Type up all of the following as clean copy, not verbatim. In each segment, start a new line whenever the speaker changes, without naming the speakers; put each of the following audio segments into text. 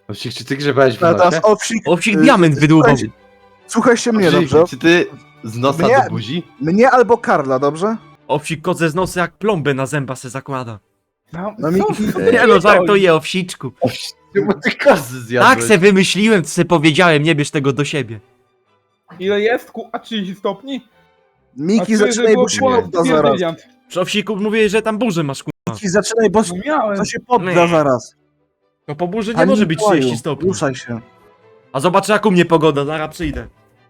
Owsik, czy ty grzebałeś w
A teraz
nosie?
Owsik...
Owsik diament wydłubał.
Słuchajcie mnie,
Owsik,
dobrze?
czy ty z nosa
Mnie-
do buzi?
Mnie albo Karla, dobrze?
Owsik kodze z nosa jak plombę na zęba se zakłada.
No Miki...
Nie no, żartuję, Owsiczku.
Bo ty kozy zjadłeś.
Tak se wymyśliłem, co se powiedziałem, nie bierz tego do siebie.
Ile jest? A 30 stopni?
Miki, zaczynaj, bo się podda zaraz.
Przy Owsiku mówię, że tam burzę masz, kurwa.
Miki, zaczynaj, bo
No miałem.
to się podda
Nie.
zaraz.
No po burzy nie
Panie
może być
Mikołaju,
30 stopni.
Ruszaj się.
A zobaczę jak u mnie pogoda, zaraz przyjdę.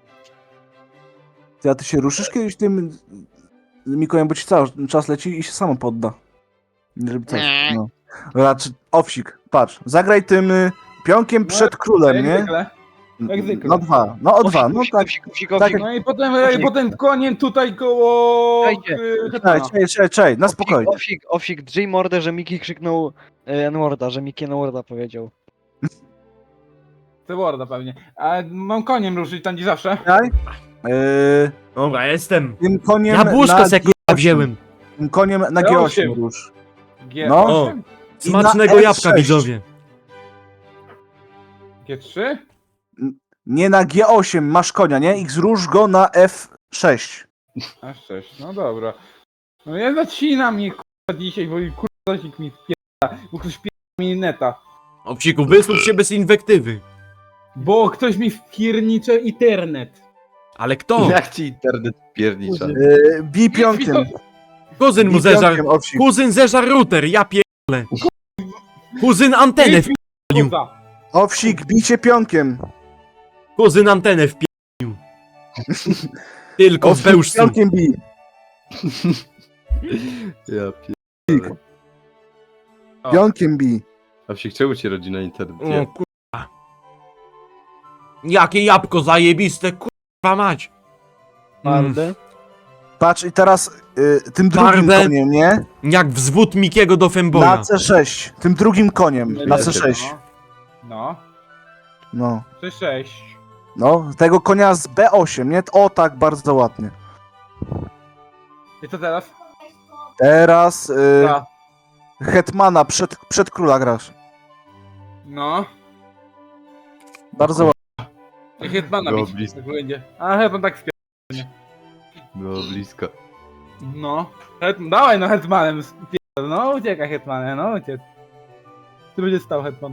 A ty się ruszysz kiedyś tym Mikołajem, bo ci cały czas leci i się samo podda. Nie żeby coś, no. Raczej, Owsik, patrz, zagraj tym pionkiem przed królem,
Jak
nie?
zwykle. Jak zwykle.
No dwa, no o dwa, no tak. Tak,
No i potem koniem tutaj koło...
Czekajcie.
Hetmana.
Czekaj, na spokojnie.
Owsik, drzyj mordę, że Miki krzyknął N-worda, że Miki N-worda powiedział.
To Worda pewnie. A mam koniem ruszyć tam gdzie zawsze.
Czekaj.
Dobra, jestem.
Tym koniem
Jabłuszko
na
se kurwa
G8.
wziąłem.
Tym koniem na G8 rusz.
G8?
No.
O.
I
Smacznego
na
jabłka,
F6.
widzowie.
G3?
Nie na G8 masz konia, nie? I zrusz go na F6.
A6, no dobra. No ja zacina mnie kurwa dzisiaj, bo kurwa zasik mi wpiera, bo ktoś wpiera mi neta.
Owsiku, wysłuch się bez inwektywy.
Bo ktoś mi wpiernicze internet.
Ale kto?
Jak ci internet piernicza?
Bij pionkiem.
Kuzyn mu
Bij
zeżar.
pionkiem, Owsik.
Kuzyn zeżar router, ja pierdolę. Kuzyn antenę wpierdolił.
Kurwa.
Owsik, bijcie pionkiem.
Kuzyn antenę wpierdolił. Tylko w
Owsik,
bełżcu.
pionkiem bij.
Ja pierdolę.
O.
Pionkiem bij.
Owsik, czemu ci rodzina internet?
O kurwa. Jakie jabłko zajebiste, kurwa mać.
Mordę.
Patrz i teraz tym drugim
Twarde.
koniem, nie?
Jak wzwód Mikiego do
Na
Femboya.
C6. Tym drugim koniem. Na
Wiecie,
C6.
No.
No.
6-6.
No. Tego konia z B8, nie? O tak, bardzo ładnie.
I co teraz?
Teraz
A.
Hetmana przed króla grasz.
No.
Bardzo ładnie.
I Hetmana
Było
bić.
blisko.
Tak będzie. A Hetman tak wpiera.
Było blisko.
No. Dawaj no Hetmanem. No uciekaj Hetmanem, no uciec. Ty będzie stał Hetman.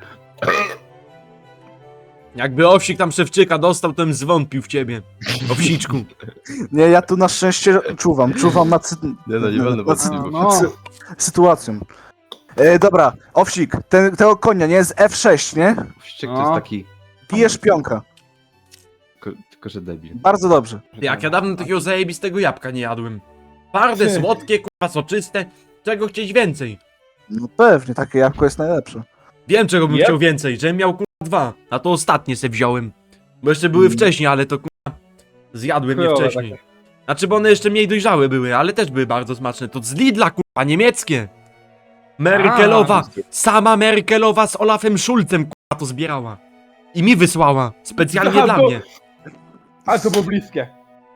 Jakby Owsik tam szewczyka dostał, to bym zwątpił w ciebie. Owsiczku.
Nie, ja tu na szczęście czuwam nad
Nie no, nie będę
nad
wątpliwał.
No.
sytuacją. Dobra, Owsik, tego konia, nie? Z F6, nie?
Owsiczek to
No.
jest taki...
Bijesz pionka.
Tylko, że debil.
Bardzo dobrze.
Jak ja dawno takiego zajebistego jabłka nie jadłem. Twarde, słodkie, kurwa, soczyste. Czego chcieć więcej?
No pewnie, takie jabłko jest najlepsze.
Wiem czego bym
Yep.
chciał więcej, żebym miał kurwa 2. A to ostatnie se wziąłem. Bo jeszcze były wcześniej, ale to kurwa zjadłem je
Chujowe
wcześniej. Znaczy, bo one jeszcze mniej dojrzałe były, ale też były bardzo smaczne. To z Lidla kurwa, niemieckie. Merkelowa, sama Merkelowa z Olafem Schulzem kurwa to zbierała. I mi wysłała, specjalnie
No,
dla
to-
mnie.
A to było bliskie.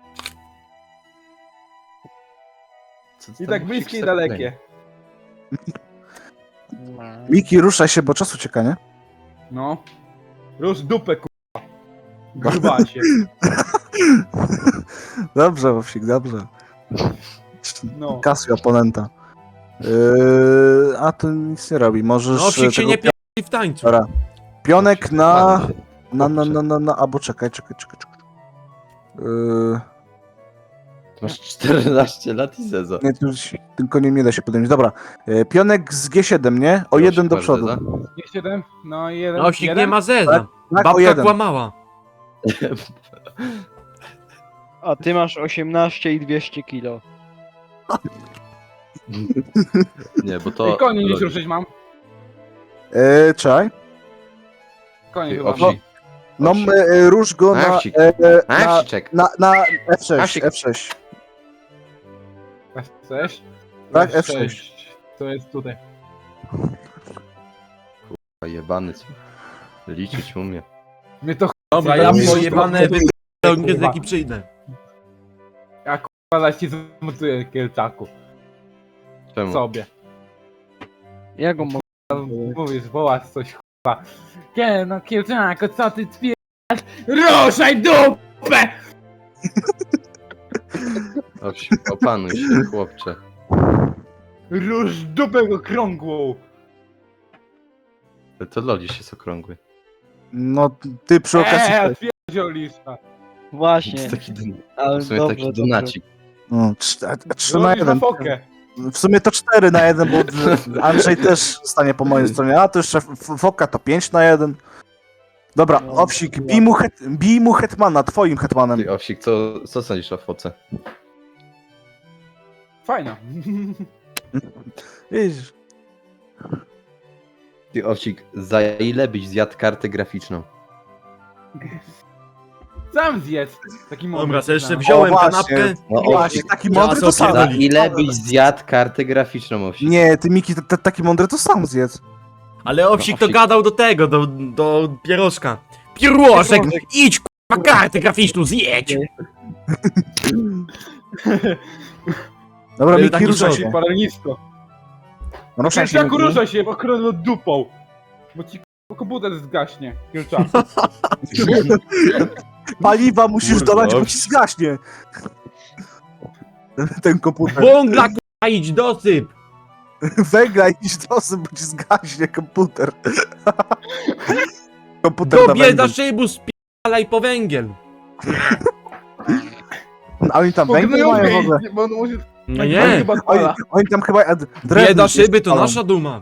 Co
I
tam
tak
Owsik
bliskie i
sobie
dalekie.
Miki, ruszaj się, bo czas ucieka, nie?
No. Rusz dupę kurwa. Grubasie.
Dobrze, Owsik, dobrze.
No.
Kasuj oponenta. A to nic nie robi, możesz...
No Owsik się
tego
nie pierdoli w tańcu.
Dobra. Pionek na...
Dobrze.
albo czekaj.
Masz 14 lat i zeza.
Nie, tu już tym koniem nie da się podjąć. Dobra. Pionek z G7, nie? O jeden do
masz
przodu.
zeza?
7, no i jeden.
No Owsik
jeden?
nie ma zeza.
Tak, o
Babka
jeden.
kłamała.
A ty masz 18 i 200 kilo.
Nie, bo to...
I koni gdzieś ruszyć mam.
Czekaj.
Koni
Ty,
chyba.
Owsik.
No,
Owsik.
rusz go na...
Owsik.
na,
Owsiczek.
na F6,
Owsik.
F6.
F6?
Tak, F6.
To jest tutaj.
Jebany co. Liczyć umie.
Mnie to
Dobra,
ja
ja
Kurwa,
pojebane
kurwa.
wyglądać przyjdę.
chyba zaś ci zmutuję kielczaku.
Czemu?
Sobie.
Ja go mogę.
Mówisz, wołasz coś kurwa. No Kielczako, co ty spierasz? Ruszaj dupę!
Owsik, opanuj się, chłopcze.
Rusz dupę okrągłą!
To Lolisz jest okrągły.
No, ty przy okazji...
Odpierdziolisz.
To
Właśnie,
jest taki,
ale
w sumie
dobrze,
taki
dobrze.
donacik.
No, 3 na
Robisz na
1.
fokę.
W sumie to 4 na 1, bo Andrzej też stanie po mojej stronie, a to jeszcze Foka to 5 na 1. Dobra,
No,
Owsik,
chyba.
bij mu hetmana, twoim hetmanem.
Ty, Owsik, co sądzisz o foce?
Fajno.
Widzisz?
Ty, Owsik, za ile byś zjadł kartę graficzną?
Sam zjedz. Taki mądry.
Dobra, to jeszcze
znam.
wziąłem
O, właśnie.
kanapkę.
No,
Właśnie, taki mądry to
co
sam.
Za
pierdoli.
ile byś zjadł kartę graficzną, Owsik?
Nie, ty Miki, taki mądry to sam zjedz.
Ale Owsik
No,
to
Owsik.
gadał do tego, do pierożka. Pierożek, idź k***a kartę graficzną, zjedź!
Dobra,
Ale
Miki,
taki
ruszaj
żołd.
się.
Paralnisko.
Ruszaj się.
Kielczaku,
Miki.
ruszaj się, bo krążę dupą. Bo ci komputer zgaśnie. Kielczaku.
Paliwa musisz
Kurde,
dolać, bo
Owsik.
ci zgaśnie. Ten komputer.
Wągla k***a, idź dosyp!
Węgla idź dosyć, bo ci zgaśnie komputer. Komputer na
Do bieda
węgiel.
szybu, spialaj po węgiel!
A oni tam węgiel
Pognują
mają w ogóle.
bo on może...
No
on
nie,
chyba
Oni,
odpala.
oni tam chyba drewno
bieda
gdzieś
szyby to
palą.
nasza duma.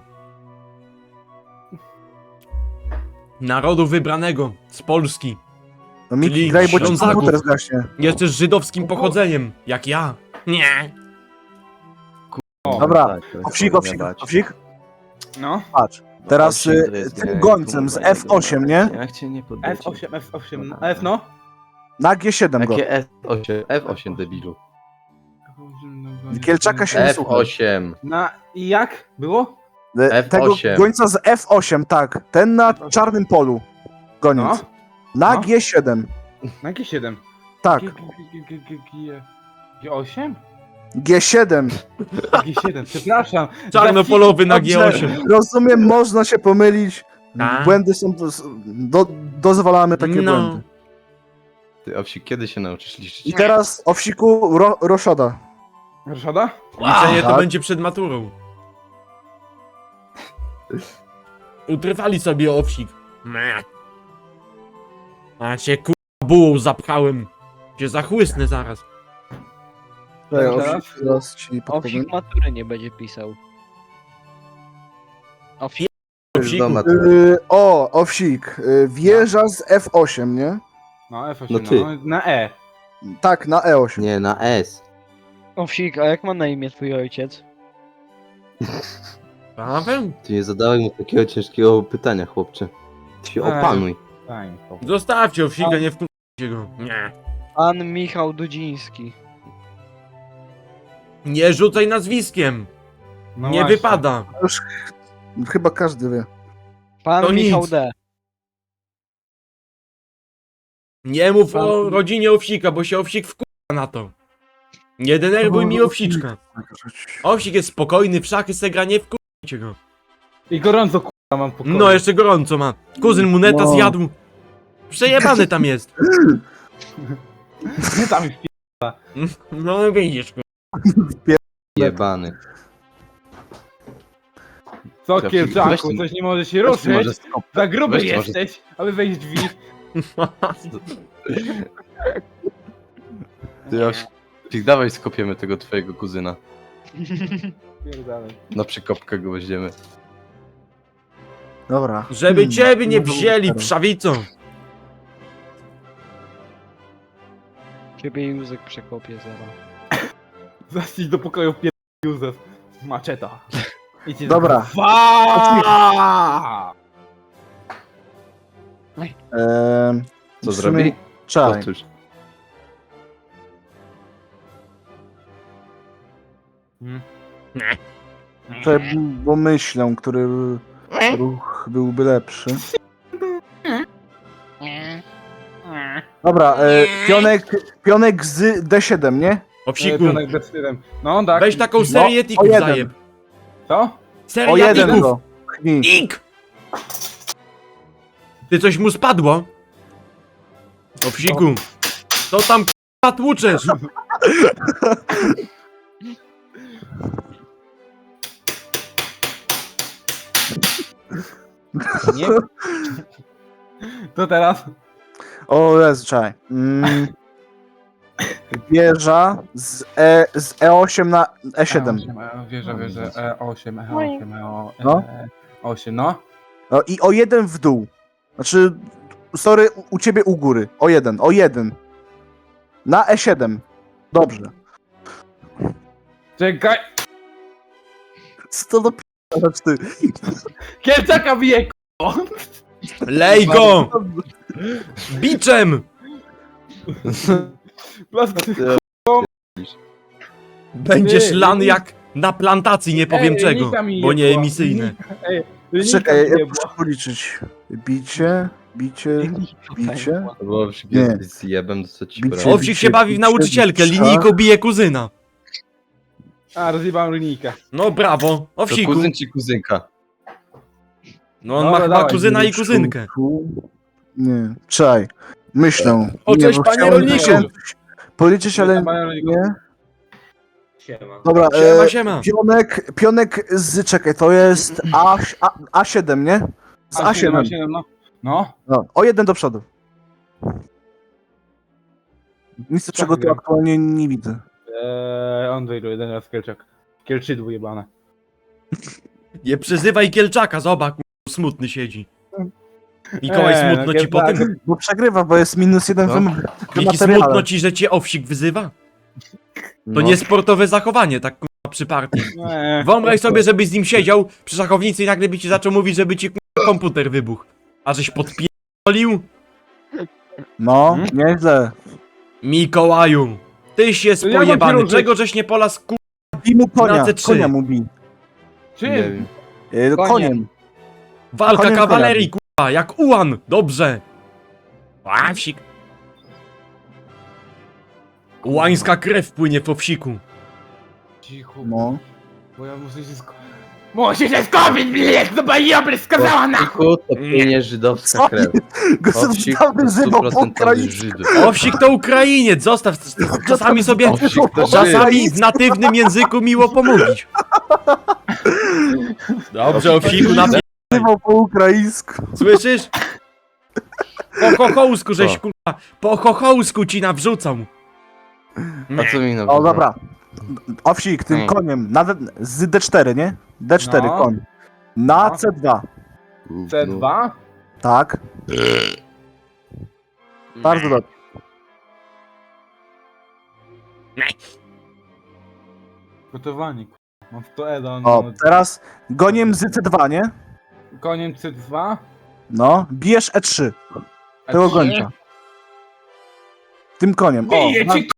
Narodu wybranego z Polski.
No Miki,
czyli
graj, bo ci
Ślązaków.
komputer zgaśnie.
Jeszcze z żydowskim pochodzeniem, jak ja. Nie.
Dobra,
Tak, to jest
Owsik,
powinna
Owsik,
bać.
Owsik,
No.
patrz. Teraz
Owsik to jest
tym
gej,
gońcem
kurwa,
z
jego
F8, nie?
Jak cię nie podejdzie.
F8, F8, F no.
Na G7 go.
Jakie F8? F8, debilu.
Kielczaka się nie słucha.
F8.
Na... I jak? Było?
Tego
F8.
gońca z F8, tak. Ten na czarnym polu. Goniec.
No.
Na
No.
G7.
Na G7.
Tak.
G8?
G7.
G7, przepraszam.
Czarnopolowy na
Dobrze,
G8.
Rozumiem, można się pomylić.
Tak.
Błędy są... Dozwalamy takie
No.
błędy.
Ty, Owsik, kiedy się nauczysz liczyć?
I teraz Owsiku Roszoda.
Ryszada?
Liczenie to
tak.
będzie przed maturą. Utrwali sobie Owsik. Meh. A cię k***a bułą zapchałem. Cię zachłysnę zaraz.
Owsik, teraz ci podpowiem.
Owsik matury nie będzie pisał. Owsik,
Owsiku.
Doma,
Owsik. Wieża z F8, nie?
No F8,
No
no,
ty.
na E.
Tak, na E8.
Nie, na S.
Owsik, a jak ma na imię twój ojciec?
Paweł?
Ty nie zadałeś mu takiego ciężkiego pytania, chłopcze. Ty się
Ej.
opanuj.
Fajnie.
Zostawcie Owsika, nie wkurzycie go. Nie.
Pan Michał Dudziński.
Nie rzucaj nazwiskiem.
No
Nie
właśnie.
wypada.
Już chyba każdy wie.
Pan
To
Michał
nic.
D.
Nie mów o rodzinie Owsika, bo się Owsik wkurza na to. Nie denerwuj mi Owsiczka. Owsik jest spokojny, w szachy se gra, nie wkurzycie go.
I gorąco k***a mam pokoju.
No, jeszcze gorąco ma. Kuzyn mu neta
No.
zjadł. Przejebany tam jest.
Nie tam już
No widzisz, kur-
Jebany.
co
Weź
Kielczaku,
tu-
coś nie może się
Weź tu może
ruszyć?
skop-
Za gruby
weź tu może-
jesteś, aby wejść w drzwi.
Ty, Owsik, dawaj skopiemy tego twojego kuzyna.
Pierdalej.
Na przykopkę go weźmiemy.
Dobra.
Żeby ciebie nie
No to
wzięli
teraz.
wszawicą.
Ciebie Józek przekopie zaraz.
Zaścić do pokoju pier... Józef. Maczeta. Idźcie
Dobra.
Fa!
Co
w sumie-
zrobi?
Czekaj.
Powtórz.
Czekaj, bo myślę, który ruch byłby lepszy. Dobra, pionek z D7, nie?
Owsiku,
Pionek bez stylem. No tak.
weź taką serię
o
tików
jeden.
zajeb.
Co?
O
Seria
jeden
tików.
go. Chnij.
Ik! Ty coś mu spadło? Owsiku, co tam k***a tłuczesz?
Nie? To teraz?
O Jezu, czekaj. Wieża z E8 na E7.
Wierzę, E8, E8,
No.
E8, no.
No i o jeden w dół. Znaczy, sorry, u ciebie u góry. O jeden. Na E7. Dobrze.
Czekaj,
Co to do p***asz ty?
Kielczaka bije, k***o!
Lej go! Biczem! Będziesz
Ty,
lan
ty.
jak na plantacji, nie powiem
Ej,
czego,
Nika mi
bo nie
jebła.
emisyjne.
Czekaj, ja
nie
muszę policzyć. Bicie.
Bo Owsik
Nie.
jest zjebem, to co ci
Bicie.
poradzić.
Owsik się bawi w nauczycielkę,
bicia.
linijką bije kuzyna.
A, rozjebałem linijkę.
No brawo,
To
Owsiku.
kuzyn czy kuzynka?
No on
Dobra,
ma chyba
dawaj,
kuzyna i kuzynkę.
Nie, czekaj. Myślę.
O,
Nie,
cześć,
bo
panie
chciałem
rolniku.
policzyć, ale nie. Dobra,
Siema, siema.
pionek z, czekaj, to jest A7, nie? Z A7.
A7, no. No.
No, o jeden do przodu. Nic czego tu
wiem.
aktualnie nie widzę.
On wyjdzie jeden raz Kielczak. Kielczydło jebane.
Nie przyzywaj Kielczaka, zobacz, smutny siedzi. Mikołaj, smutno ci po
Kielczak.
tym?
Bo przegrywa, bo jest -1
No.
w
Miki,
materiale.
smutno ci, że cię Owsik wyzywa? To
No.
niesportowe zachowanie, tak k***a, przy partii.
Nie.
Wyobraź sobie, żebyś z nim siedział przy szachownicy i nagle by ci zaczął mówić, żeby ci k***a, komputer wybuchł. A żeś podpierdolił?
No, nieźle.
Mikołaju, tyś jest
To ja mam
pojebany.
kierunek.
Czego żeś nie polas ku...
Bij mu konia,
Na C3.
konia mu bij.
Nie
Czym?
wiem.
Koniem.
Walka
Koniem
kawalerii, k***a, jak ułan. Dobrze. Ławsik. Ułańska krew płynie po wsiku.
Cicho,
No.
bo ja muszę się Muszę się skupić, bilet, to bajobry skazała na...
Owsiku to płynie żydowska
Co?
krew. Owsik to
Gospodarny żywo po
100%
Ukrainie.
Żydów.
Owsik to Ukrainiec, zostaw. Czasami sobie...
Owsik to
Czasami
Żyd.
w natywnym języku miło pomówić. Dobrze, Owsiku,
Żywo po ukraińsku.
słyszysz? Po chochołsku żeś,
Co?
kurwa, po chochołsku ci nawrzucał.
A co mi na
O, dobra. Owsik, tym
Hmm.
koniem, z D4, nie? D4
No.
koń. Na
No.
C2.
C2?
Tak, bardzo dobrze.
Gotowanie, k***a. Mam 100 Eda,
O,
no.
teraz goniem z C2, nie?
Koniem C2?
No, bijesz E3. Tego gońca. Tym koniem. O,
Bije cię,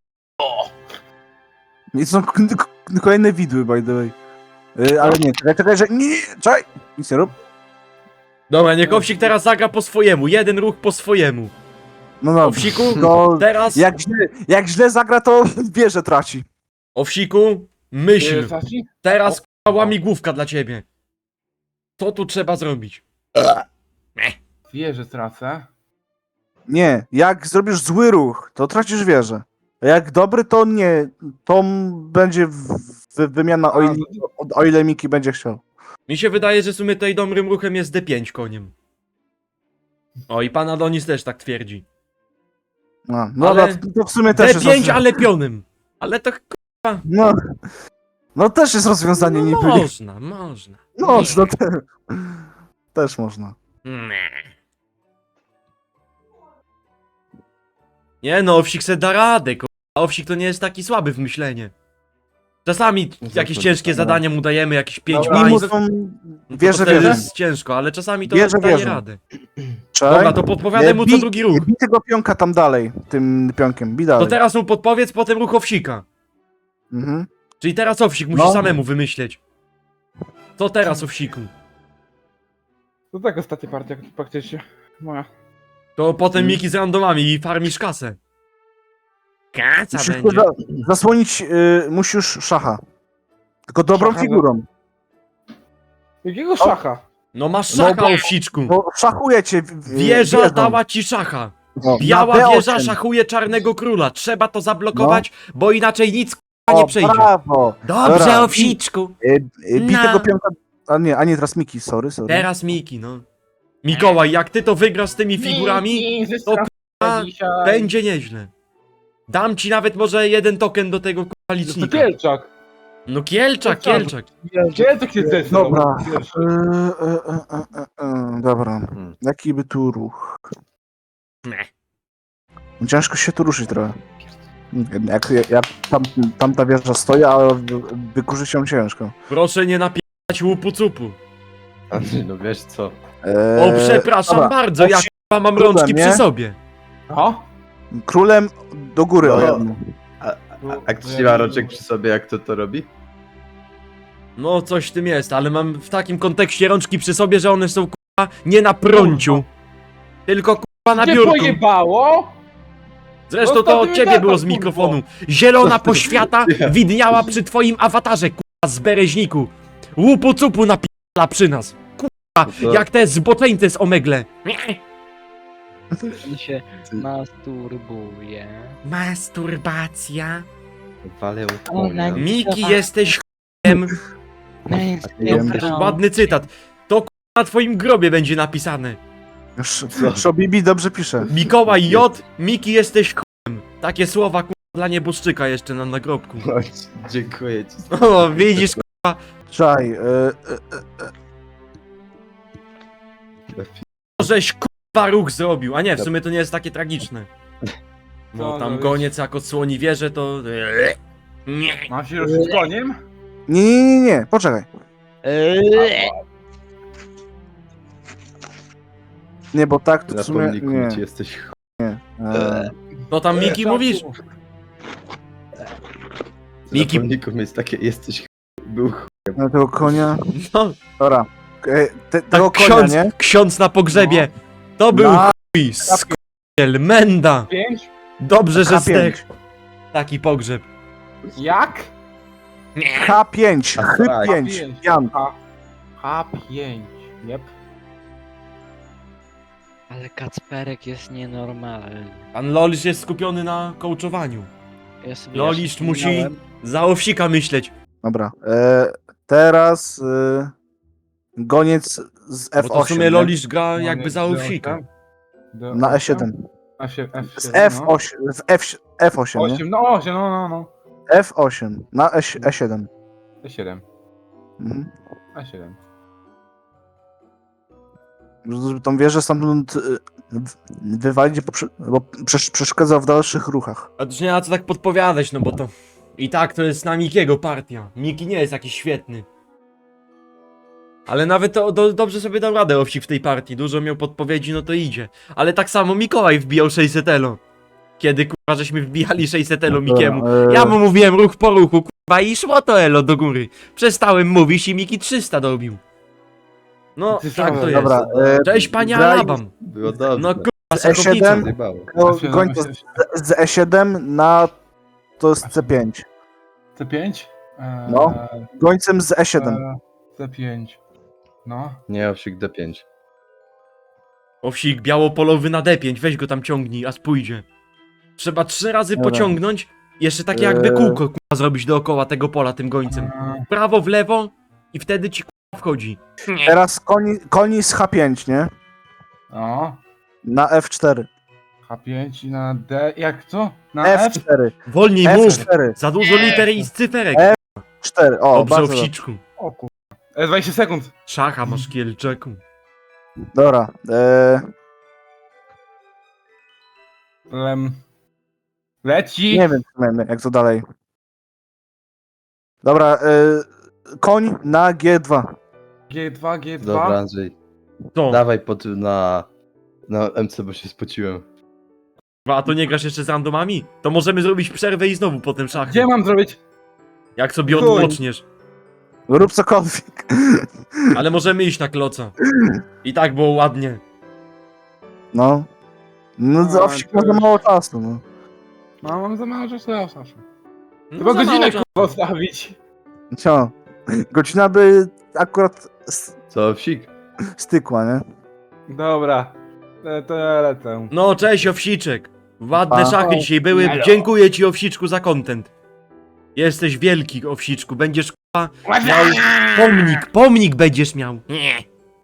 i są kolejne widły, by the way. Ale nie, czekaj, że... Nie, czekaj! Nic nie rób.
Dobra, niech Owsik teraz zagra po swojemu, jeden ruch po swojemu.
No no,
Owsiku,
to
teraz...
jak źle zagra, to wieżę traci.
Owsiku, myśl.
Saci?
Teraz k***a, łamigłówka dla ciebie. Co tu trzeba zrobić?
Wie, że tracę.
Nie, jak zrobisz zły ruch, to tracisz wieżę. A jak dobry, to nie. To będzie wymiana, o ile Miki będzie chciał.
Mi się wydaje, że w sumie tutaj dobrym ruchem jest D5 koniem. O, i pan Adonis też tak twierdzi.
No, no
Ale-
to w sumie też
D5,
jest
ale pionem. Ale to
no, no też jest rozwiązanie niby.
można.
No, no też można.
Nie no, Owsik se da radę, Owsik to nie jest taki słaby w myślenie. Czasami jakieś ciężkie zadania mu dajemy, jakieś 5
Dobra,
Mimo
państw.
tą
No to
wieżę,
wtedy
wieżę.
jest ciężko, ale czasami to
Wierzę,
daje
wierzę.
radę.
Czekaj.
Dobra, to podpowiadaj mu co
Bij-
drugi ruch.
Bij tego pionka tam dalej, tym pionkiem, bij
To
dalej.
teraz mu podpowiedz, potem ruch Owsika.
Mhm.
Czyli teraz Owsik musi
No.
samemu wymyśleć. Co teraz, Owsiku?
To tak ostatnia partia, faktycznie. Moja.
To potem Miki z randomami i farmisz kasę. Kasa
Musisz
będzie.
zasłonić, musisz szacha. Tylko dobrą
Szacha,
figurą.
Jakiego szacha?
No masz
No
szacha,
bo-
owsiczku.
No szachuje cię.
Wieża
wiedzą.
dała ci szacha.
No,
Biała
na
wieża
B8.
szachuje czarnego króla. Trzeba to zablokować, bo inaczej nic k***a nie
O,
przejdzie.
brawo.
Dobrze,
Dobra,
owsiczku.
Bij
No.
tego pionka. A nie, teraz Miki, sorry.
Teraz Miki, no. Mikołaj, jak ty to wygrasz z tymi figurami,
Miki, ze
to
straszne dzisiaj.
będzie nieźle. Dam ci nawet może jeden token do tego k***a
To
licznika.
Kielczak.
No Kielczak, Kielczak.
Kielczak się zdecydował.
Dobra.
Pierwszy.
Dobra.
Hmm.
Jaki by tu ruch?
Nie.
Ciężko się tu ruszyć trochę. Jak tamta wieża stoi, a wykurzyć ją ciężko.
Proszę nie napierać łupu cupu.
Andrzej, no wiesz co?
O, przepraszam
dobra.
bardzo, ja k***a mam
Królem,
rączki
nie?
przy sobie.
No.
Królem do góry o
No.
jedną.
A ktoś nie ma rączek przy sobie, jak to robi?
No coś w tym jest, ale mam w takim kontekście rączki przy sobie, że one są k***a nie na prąciu. Tylko k***a na
Cię
biurku.
pojebało?
Zresztą
No
to
to
od
ty
ciebie
gadasz,
było z
kurwo.
mikrofonu. Zielona poświata widniała przy twoim awatarze, k***a, z bereźniku. Łupu cupu napi***la przy nas. K***a,
To-
jak te zboczeńce z Omegle.
On się masturbuje.
Masturbacja.
Walę
Ona-
Miki, jesteś ch**em. Ładny cytat. To k***a na twoim grobie będzie napisane.
Szobibi dobrze pisze.
Mikołaj J, Miki, jesteś ch**em. Takie słowa k***a dla nieboszczyka jeszcze na nagrobku.
Dziękuję ci.
O, widzisz
Czaj,
żeś k***a ruch zrobił. A nie, w sumie to nie jest takie tragiczne. No
No,
tam
no
goniec jak odsłoni wieżę, to... Nie.
Mam się ruszyć koniem?
nie, poczekaj. Nie, bo tak to
Na
w sumie,
pomniku
nie.
ci jesteś
To tam Miki mówisz? Miki-
Na pomniku jest takie, jesteś był
Na tego konia.
No,
Dobra. Tego
tak
konia,
ksiądz,
nie?
ksiądz na pogrzebie. To był
Na
chuj, skupiel, menda.
5?
Dobrze, że
K5.
zdech. Taki pogrzeb.
Jak?
K5,
A tak.
H5, Jan.
H5. Jep.
Ale Kacperek jest nienormalny.
Pan Lolisz jest skupiony na kołczowaniu.
Ja sobie
Lolisz
jeszcze
musi
wspominałem,
za owsika myśleć.
Dobra. Teraz goniec z F8.
Bo to w sumie
nie?
Lolisz gra jakby za owsika.
Na E7.
F7.
Z F8, F8, nie?
8, no 8, no.
F8 na E7.
E7.
Mhm.
E7.
Żeby tą wieżę stamtąd wywalić, bo przeszkadza w dalszych ruchach.
A to już nie ma co tak podpowiadać, no bo to... I tak to jest na Mikiego partia. Miki nie jest jakiś świetny. Ale nawet to dobrze sobie dał radę owsik w tej partii. Dużo miał podpowiedzi, no to idzie. Ale tak samo Mikołaj wbijał 600 elo. Kiedy kurwa żeśmy wbijali 600 elo Mikiemu. Ja mu mówiłem ruch po ruchu, kurwa, i szło to elo do góry. Przestałem mówić i Miki 300 dobił. No,
Ty
tak to
sam-
jest.
Dobra,
Cześć panie
graj
Alabam.
Było dobrze.
No kurwa,
E7.
sakownica.
Zjebało.
gońca z E7 na to jest C5.
C5?
No. Gońcem z E7.
C5. No.
Nie, owsik D5.
Owsik białopolowy na D5, weź go tam ciągnij, a spójdzie. Trzeba 3 razy
Dobra.
pociągnąć, jeszcze takie jakby kółko kurwa zrobić dookoła tego pola tym gońcem. Prawo, w lewo i wtedy ci kurwa wchodzi.
Teraz koni z H5, nie?
No.
Na F4.
H5 i na D. Jak co? Na F?
F4.
Wolniej mów!
F4.
Za dużo liter i cyferek.
4. O,
Dobrze,
bardzo dobrze.
owsiczku.
O kur... 20 sekund.
Szacha masz kielczeku.
Dobra.
Leci.
Nie wiem, jak to dalej. Dobra, koń na G2.
G2, G2.
Dobra, Andrzej.
To,
Dawaj na MC, bo się spociłem.
a to nie grasz jeszcze z randomami? To możemy zrobić przerwę i znowu potem szachy.
Gdzie mam zrobić?
Jak sobie
Chuj.
odpoczniesz.
Rób cokolwiek.
Ale możemy iść na kloca. I tak było ładnie.
No. No,
A,
za owsik
to
ma za
już-
mało czasu, no.
No, mam za mało czasu, ja Saszu.
No,
Chyba
za mało
godzinę
czasu.
kurwa odstawić.
Co? Godzina by akurat...
Co, owsik?
stykła, nie?
Dobra, to ja lecę.
No, cześć Owsiczek. Ładne
Pa.
szachy dzisiaj były.
Elo.
Dziękuję ci Owsiczku za content. Jesteś wielki Owsiczku. Będziesz k***a miał pomnik będziesz miał. Nie.